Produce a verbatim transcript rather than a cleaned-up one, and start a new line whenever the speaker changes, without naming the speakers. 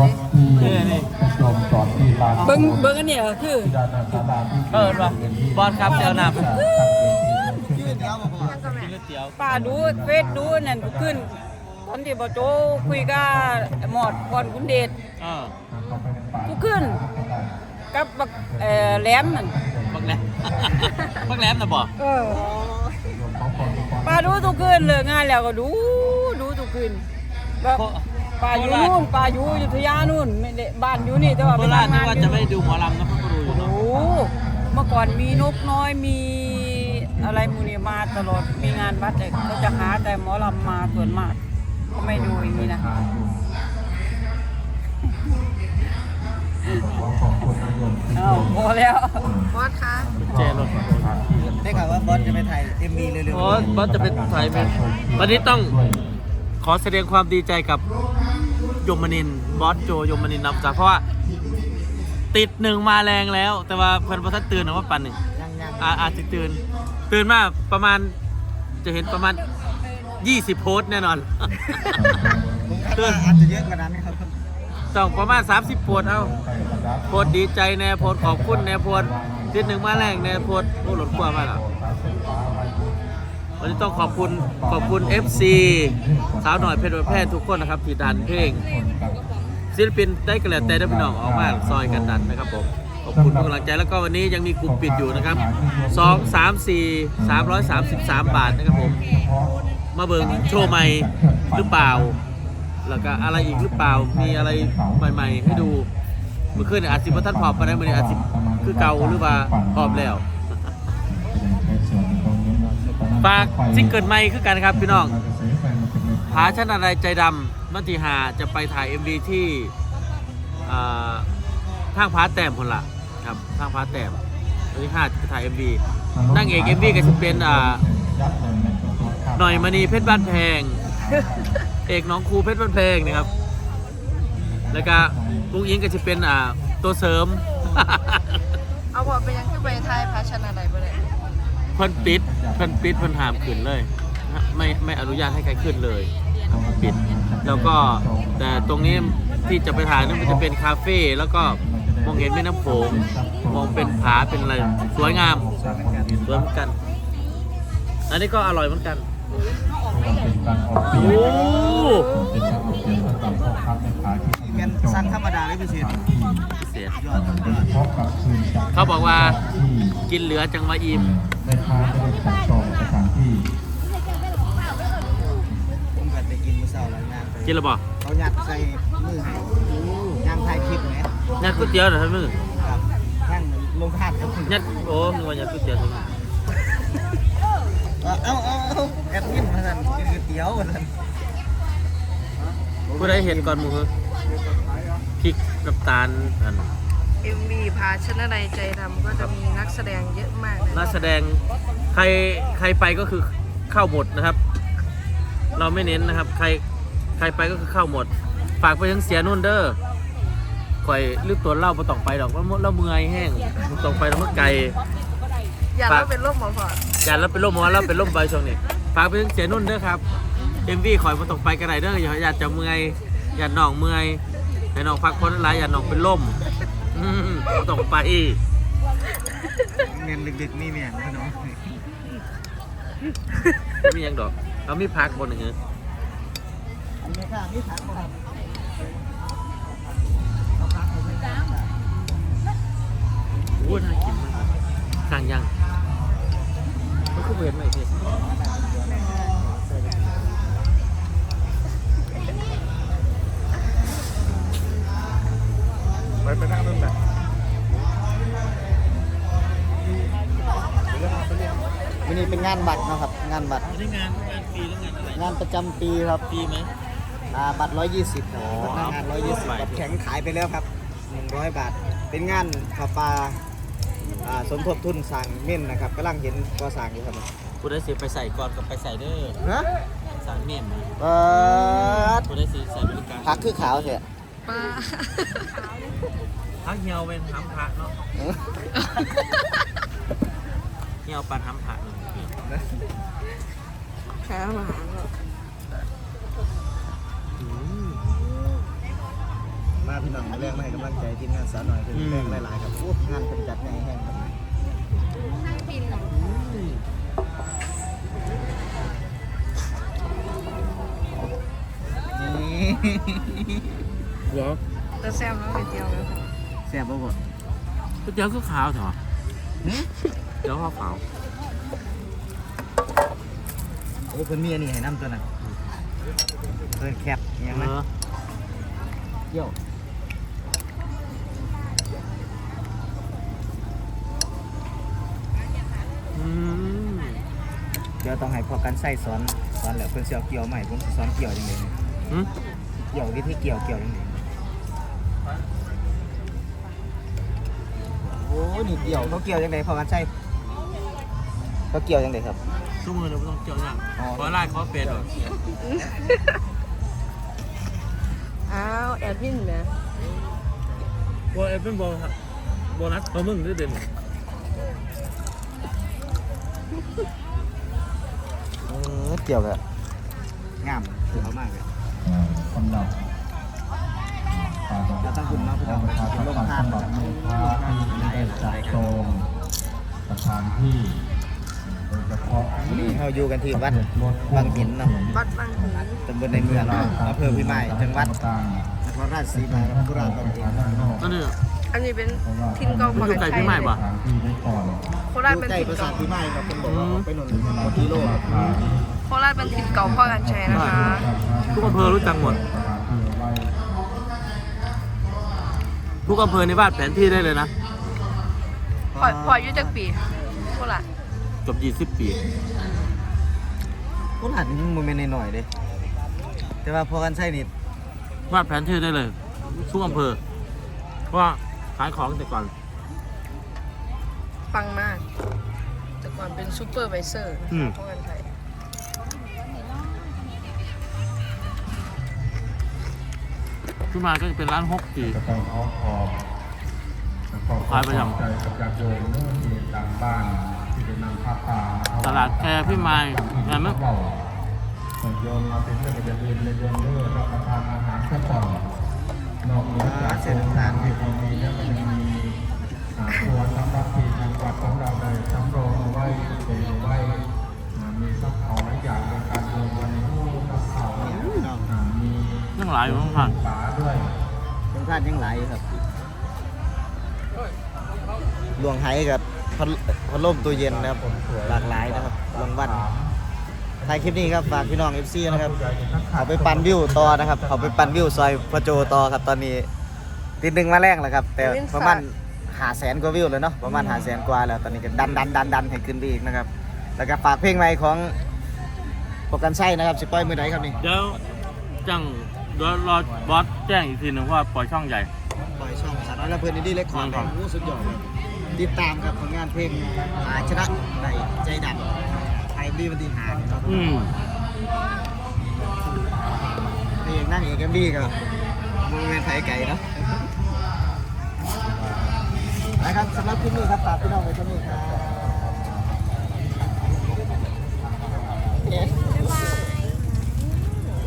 นี่นี่เบิ้งเบิ้งอันนี้คือเออป่ะบอลครับเจ้าหน้าป้าดูเฟซดูนั่นขึ้นตอนที่บ่โจคุยกับหมอดก่อนคุณเดชทุกขึ้นกับบักเอ่อแหลมนั่นบักแหลมบักแหลมน่ะบ่เออป้าดูทุกขึ้นเลยงานแล้วก็ดูดูทุกขึ้นแบบป้าอยู่นู่นป้าอยู่อยุธยานู่นไม่ได้บ้านอยู่นี่แต่ว่าไปทำงานว่าจะไม่ดูหมอลำนะพ่อก็ดูอยู่เนาะโอ้เมื่อก่อนมีนกน้อยมีอะไรมูนี่มาตลอดมีงานวัดแต่เขาจะหาแต่หมอลำมาส่วนมากก็ไม่ดูอย่างนี้นะเอาพอแล้วบอสคะเจรถได้ข่าวว่าบอสจะไปถ่ายเอ็มวีเร็วๆบอสบอสจะไปถ่ายเป็นวันนี้ต้องขอแสดงความดีใจกับยมนินทร์บอสโจยมนินทร์นำจากเพราะว่าติดหนึ่งมาแรงแล้วแต่ว่าเพิ่นบ่ทันตื่นนะว่าปั่นหนึ่งอาจจะตื่นตื่นมาประมาณจะเห็นประมาณยี่สิบโพสแน่นอนตื่นอาจจะเยอะกว่านั้นครับต้องประมาณสามสิบโพสเอาโพสดีใจแน่โพสขอบคุณแน่โพสติดหนึ่งมาแรงแน่โพสโอ้หลดกลัวมากอ่ะวันนี้ต้องขอบคุณขอบคุณ เอฟ ซี สาวหน่อยเพชรแพทย์ทุกคนนะครับที่ดันเพลงศิลปินได้กระแลแต่ได้พี่น้องออกมาซอยกันดันนะครับผมขอบคุณทุกกำลังใจแล้วก็วันนี้ยังมีกลุ่มปิดอยู่นะครับสอง สาม สี่ สามร้อยสามสิบสามบาทนะครับผมมาเบิ่งโชว์ใหม่หรือเปล่าแล้วก็อะไรอีกหรือเปล่ามีอะไรใหม่ๆให้ดูเมื่อคืนอาจสิบท่านพอบไปได้เมื่อนี้อาจสิคือเก่าหรือว่าพอบแล้วฝากซิงเกิลใหม่คือกันครับพี่น้องผาชั้นอะไรใจดำมัติหาจะไปถ่าย เอ็ม วี ที่ทางผาแต้มคนละครับทางผาแต้มวันที่ห้าจะถ่าย เอ็ม วี นั่งเอก เอ็ม วี ก็จะเป็นหน่อยมณีเพชรบ้านแพงเอกน้องครูเพชรบ้านแพงนะครับแล้วก็ลุงอิงก็จะเป็นตัวเสริม
เอาพอไปยังขึ้นไปไทยพาชนะอะไรไปเลย
เพิ่นปิดเพิ่นปิดเพิ่นห้ามขึ้นเลยไม่ไม่อนุญาตให้ใครขึ้นเลยปิดแล้วก็แต่ตรงนี้ที่จะไปถ่ายนั้นมันจะเป็นคาเฟ่แล้วก็มองเห็นแม่น้ำโขงมองเป็นผาเป็นอะไรสวยงามสวยเหมือนกันอันนี้ก็อร่อยเหมือนกันโอ้เป็นสั่งธรรมดาหรือพิเศษพิเศษเขาบอกว่ากินเหลือจังมาอิ่มผมก็จะกินมื้อเช้าแล้วนะกินแล้วบ่เขายัดใส่มือให้ย่างถ่ายคลิปไหมยัดก๋วยเตี๋ยวเหรอท่านมือครับย่างลงทานครับยัดโอ้นึกว่ายัดก๋วยเตี๋ยวท่านมือเอาเอาเอาแอดมินมาสั่นกินก๋วยเตี๋ยวมาสั่นผู้ใดเห็นก่อนหมูพริกน้ำตาลอัน
เอ็ม วี พาชนะในใจทำก็จะมีนักแสดงเยอะมาก
นักแสดงใครใครไปก็คือเข้าหมดนะครับเราไม่เน้นนะครับใครใครไปก็คือเข้าหมดฝากไปถึงเสียนุ่นเด้อคอยลืมตัวเล่ามาต้องไปดอกว่าเราเมื่อยแห้งต้องไปแล้วมันไกล
อย่าเราเป็นโรคหมอพอด
อย่าเราเป็นโรคหมอเราเป็นโรคใบช่วงนี้ฝากไปถึงเสียนุ่นเด้อครับเอ็มวีคอยมาต้องไปกันไหนเด้ออย่าอย่าจะเมื่อยอย่าหน่องเมื่อยให้น้องพักผ่อนหลายอย่าน้องเป็นลมต้องไปเงินดึกๆนี่เมียพี่น้องไม่มียังดอกเรามีพักบนหนึ่งเหรอมีค่ะมีพักบนโอ้ยน่ากินมากสั่งยังมันคือเวรไหมพี่ไปไปนั่งนั่นแหละ
วันนี้เป็นงานบัตรนะครับงานบัตร
นี่งานงานปีหรืองานอะไร
งานประจำปีครับ
ปีไหม
อ่าบัตรร้อยยี่สิบบัตรงานร้อยยี่สิบบัตรแข็งขายไปแล้วครับหนึ่งร้อยบาทเป็นงานประปาอ่าสมทบทุนสร้างเม่นนะครับกำลังเห็นก่อสร้างอยู่ครับ
ผู้ได้สิไปใส่ก่อนกับไปใส่เด้อ
ฮะ
สร้างเม่น
เปิด
ผู้ได้สิใส่บริการ
พักคือขาวเถอะ
ป้า
พักเหี่ยวเป็นทำผักเนาะเหี่ยวปันทำผัก
แค่อาหาร
มาพี่น้องมาแรงมาให้กำลังใจทีมงานสาวหน่อยเป็นแรงหลายๆครับโอ้งานเป็นจัดใหญ่แห้งครับนี่
เหรอ
แต่แซ่บแล้วไปเจียวแล้วค่ะ
แซ่บบ่บ่
ก๋วยเตี๋ยวคือขาวเถอะเดี๋ยวข้าวขาว
โอ้เพิ่นมีอันนี้ให้น้ำตัวน่ะเพิ่นแคบอหยังนะ
เออ
เกี่ยว
อืม
เดี๋ยวต้องให้พอกันใส่สอนสอนแล้วเพิ่นสิเอาเกี่ยวใหม่ผมสิสอนเกี่ยวจังได๋
อืม
เกี่ยววิธีเกี่ยวเกี่ยวจังได๋โอ้นี่เกี่ยวเขาเกี่ยวจังได๋พอกันใส่เขาเกี่ยวจังได๋ครับ
ทุกมือเราไม่ต้องเกี่ยวอย่าง
อ๋อ
ขอไล่ขอเป็ดเหรอ
อ้าวแอดมินนะ
โบเอฟเป็นโบครับโบนัสเขามึงได้เด่น
เออเกี่ยวแบบงามสวยมากเลย
สำหรับ
แล้วตั้งคุณเนาะพี่น้องเป็นลมทานนะครับ
ที่ได้จัดโจมสถานที่โดยเฉพาะ
นี่เราอยู่กันที่วัดบางหินเนาะ
วัดบางหิน
ตำบลในเมืองเนาะอำเภอพิมายจังหวัด
ต่าง
นครราชสีมาครับกุราชบางหิน
ก็เนี่ย
อันนี้เป็นทินเก่าป
มันอยู่
ก
ไกล
ติ
พี่ใหม่ปะ
สถานที่ไว้ก่อน
โคราช
อยู่
เป็น
ใกล้
ทิน
ปราสา
เก่า
ทพิมายครับเป็นบอกว่าไปหนุนหกกิโลครับ
โคราชเป็นทินเก่าพ่อกันชัยนะคะ
ทุกอำเภอรู้จักหมด ทุกอำเภอในบ้านแผนที่ได้เลยนะ
พอพออายุจักปีโคราช
เกือบยี่สิบปี
กุราชนี่มันไม่หน่อยๆเลยแต่ว่าพอกันใช่นี่
วาดแผนที่ได้เลย ทุกอำเภอเพราะว่าขายของแต่ก่อน
ปังมาก แต่ก่อนเป็นซูเปอร์ไวเซอร์
อืม
พ่อกันชัย
ขึ้นมาก็จะเป็นร้านฮกปี
จะต้องขอขอบขอบ
ขายไปยัง
ใจกับญาติโยมเมื่อที่ต่างบ้านที่ได้นำผ้าป่ามาถวาย
ตลาดแคร์พี่มายงานมั้ย
เบาส่วนโยมมาเป็นเรื่องอย่าลืมเลยโยมเลือกรับประทานอาหารซะก่อนนอกเหนือจากโครงการที่เรามีแล้วมันยังมีอ่าครัวสำหรับที่ทางวัดของเราได้สำรองเอาไว้เก็บเอาไว้อ่ามีซับเขาหลายอย่างในการโยมวันนี้ซับเขาอ่ามี
ยังหลายอยู่ข้างผ่าน
ฝาด้วย
เป็นพลาดยังหลายอยู่ครับลวงไห้กับพัดพัดลมตัวเย็นนะครับหลากหลายนะครับรางวัลท้ายคลิปนี้ครับฝากพี่น้อง เอฟ ซี นะครับเขาไปปั่นวิวต่อนะครับเขาไปปั่นวิวซอยพระโจต่อครับตอนนี้ติดหนึ่งมาแรงแล้วครับแต่ประมาณหาแสนกว่าวิวเลยเนาะประมาณหาแสนกว่าแล้วตอนนี้ก็ดันดันดันดันให้ขึ้นไปอีกนะครับแล้วก็ฝากเพลงใหม่ของโปรกันไส้นะครับสิปล่อยมือไหนครับนี่
เดี๋ยวจังเดี๋ยวรอบอสแจ้งอีกทีหนึ่งว่าปล่อยช่องใหญ่
ปล่อยช่องสารน้อยและเพื่อนนี่เล็กคอร์ดครับโอ้สุดยอดเลยติดตามครับผลงานเพลงอาชนะในใจดำไทยดีมันตีหาเนี่ยครับ
อืม
นี่เองนั่งเอกเอ็มดีครับมือเป็นไทยไก่เนาะนะครับสำหรับคลิปนี้ครับฝากพี่น้องไว้ที่นี่ครับ